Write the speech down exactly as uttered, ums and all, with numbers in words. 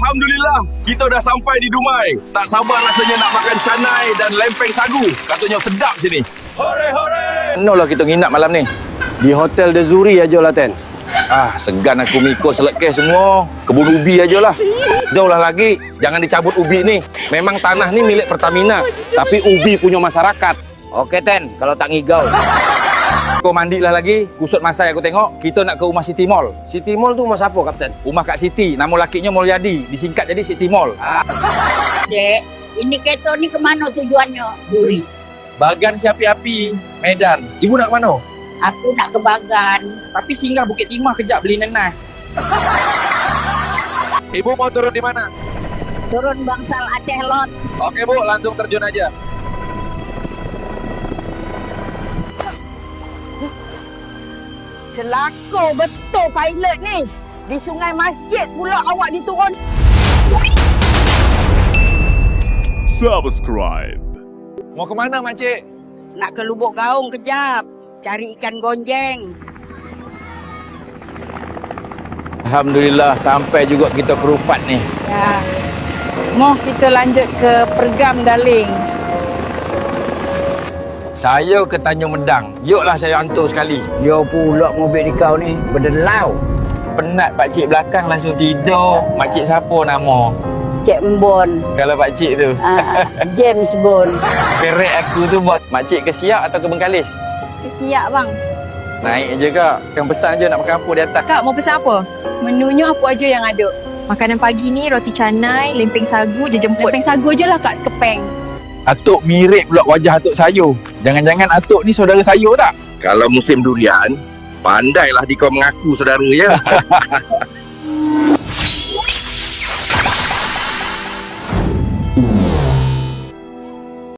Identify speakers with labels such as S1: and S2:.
S1: Alhamdulillah, kita dah sampai di Dumai. Tak sabar rasanya nak makan canai dan lempeng sagu. Katanya sedap sini. Hore hore.
S2: Mana lah kita nginap malam ni?
S3: Di Hotel The Zuri aja lah, Ten.
S2: Ah, segan aku mikot selekeh semua. Kebun ubi aja lah. Jauhlah lagi, jangan dicabut ubi ni. Memang tanah ni milik Pertamina, tapi ubi punya masyarakat. Okey, Ten, kalau tak ngigau. Kau mandilah lagi, kusut masai aku tengok. Kita nak ke rumah City Mall.
S3: City Mall tu rumah siapa, Kapten?
S2: Rumah Kak Siti, nama lakinya Mulyadi. Disingkat jadi City Mall. Ah.
S4: Dek, ini kereta ni ke mana tujuannya? Duri.
S2: Bagan si api-api, Medan. Ibu nak ke mana?
S4: Aku nak ke Bagan.
S2: Tapi singgah Bukit Timah kejap beli nenas. Ibu mau turun di mana?
S4: Turun Bangsal Aceh Lot.
S2: Oke Bu, langsung terjun aja.
S4: Celaka betul pilot ni. Di Sungai Masjid pula awak diturun.
S1: Subscribe.
S2: Mau ke mana, Makcik?
S4: Nak ke Lubuk Gaung kejap. Cari ikan gonjeng.
S2: Alhamdulillah, sampai juga kita ke Rupat ni.
S5: Ya. Moh kita lanjut ke Pergam Darling.
S2: Saya ke Tanjung Medang. Yuklah saya hantar sekali.
S3: Dia pula mobil di kau ni berdelau.
S2: Penat pakcik belakang langsung tidur. Makcik siapa nama?
S5: Cik Mbon.
S2: Kalau pakcik tu.
S5: Uh, James Bond.
S2: Kerek aku tu buat makcik ke Siak atau ke Bengkalis?
S5: Kesiak bang.
S2: Naik je kak. Yang pesan je nak makan apa di atas.
S6: Kak, mau pesan apa? Menunya apa aja yang ada. Makanan pagi ni roti canai, lempeng sagu je jemput. Lempeng sagu je lah kak, sekepeng.
S2: Atuk mirip pula wajah Atuk Sayur. Jangan-jangan Atuk ni saudara Sayur tak?
S1: Kalau musim durian, pandailah dikau mengaku saudara ya.